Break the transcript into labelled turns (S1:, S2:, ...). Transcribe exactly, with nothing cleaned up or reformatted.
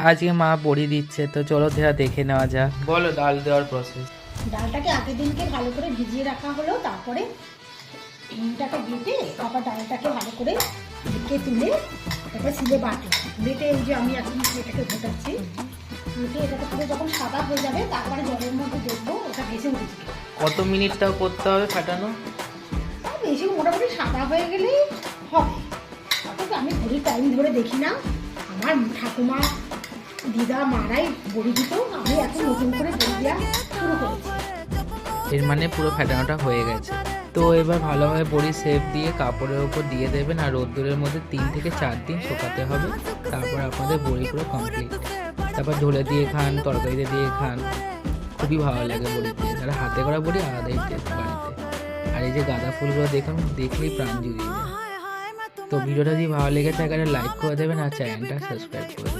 S1: আজকে মা বড়ি দিচ্ছে, তো চলো সেটা দেখে নেওয়া যাক। বলো ডাল দেওয়ার প্রসেস।
S2: ডালটাকে আগের দিনকে ভালো করে ভিজিয়ে রাখা হলো, তারপরে ডিমটাকে বেটে তারপর ডালটাকে ভালো করে ঢেকে তুলে তারপর সিলে বাটে বেটে এই যে আমি এখন এটাকে ঘোটাচ্ছি, ঘুটে এটাকে পুরো যখন সাদা হয়ে যাবে তারপরে জলের মধ্যে দেখবো ওটা ভেসে উঠেছে।
S1: কত মিনিটটাও করতে হবে ফাটানো?
S2: বেশি মোটামুটি সাদা হয়ে গেলেই হবে। অথচ আমি ঘড়ির টাইম ধরে দেখি না, আমার ঠাকুমা দিদা মারাই বড়ি দিত, আমি এখন নতুন করে বড়ি দেওয়া শুরু করেছি।
S1: এর মানে পুরো ফাটানোটা হয়ে গেছে। তো এবার ভালোভাবে বড়ি শেপ দিয়ে কাপড়ের উপর দিয়ে দেবেন, আর রোদ্দুরের মধ্যে তিন থেকে চার দিন শুকাতে হবে। তারপর আপনাদের বড়ি পুরো কমপ্লিট। তারপর ঝোলে দিয়ে খান, তরকারিতে দিয়ে খান, খুবই ভালো লাগে বড়ি দিয়ে। আর হাতে করা বড়ি আলাদাই টেস্ট বাড়িতে। আর এই যে গাঁদা ফুলগুলো দেখুন, দেখলেই প্রাণ জুড়িয়ে যায়। তো ভিডিওটা যদি ভালো লেগে থাকে লাইক করে দেবেন আর চ্যানেলটা সাবস্ক্রাইব করে দেবেন।